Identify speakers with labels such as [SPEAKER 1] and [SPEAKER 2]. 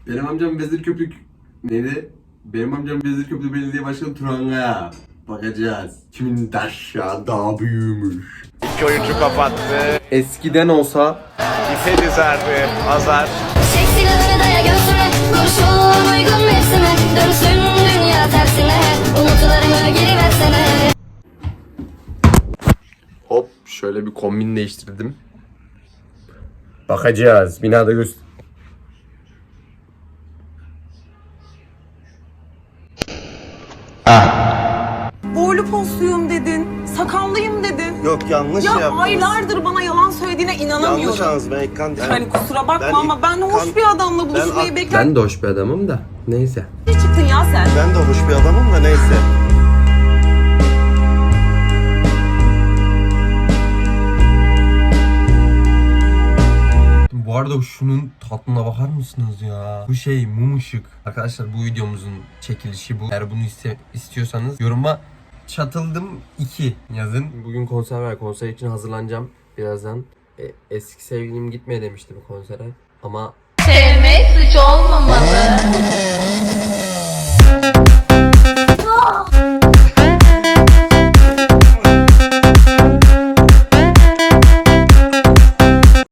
[SPEAKER 1] Benim amcam Vezirköprü... Neydi? Benim amcam Vezirköprü Belediye Başkanı Turangaya. Bakacağız. Kimin taşa daha büyümüş.
[SPEAKER 2] İki oyuncu kapattı.
[SPEAKER 1] Eskiden olsa...
[SPEAKER 2] İpe dizerdi Hazar.
[SPEAKER 3] Çek silahını daya göğsüme, kurşun uygun mevsime. Dönsün dünya tersine, umutlarımı geri versene.
[SPEAKER 1] Hop şöyle bir kombin değiştirdim. Bakacağız. Binada göster.
[SPEAKER 4] Boylu postuyum dedin, sakallıyım dedin.
[SPEAKER 5] Yok yanlış
[SPEAKER 4] Ya
[SPEAKER 5] yaptınız.
[SPEAKER 4] aylardır bana yalan söylediğine inanamıyorum.
[SPEAKER 5] Yanlış anladınız ben İlkan değilim.
[SPEAKER 4] Hani kusura bakma
[SPEAKER 5] Ben
[SPEAKER 4] ama ben hoş bir adamla buluşmayı bekler.
[SPEAKER 1] Ben de hoş bir adamım da. Neyse.
[SPEAKER 4] Ne çıktın ya sen?
[SPEAKER 5] Ben de hoş bir adamım da neyse.
[SPEAKER 1] Bu arada şunun tatlına bakar mısınız ya? Bu şey mum ışık. Arkadaşlar bu videomuzun çekilişi bu. Eğer bunu istiyorsanız yoruma çatıldım 2 yazın. Bugün konser var. Konser için hazırlanacağım birazdan. Eski sevgilim gitmeye demişti bu konsere. Ama
[SPEAKER 3] Sevmek suç olmamalı.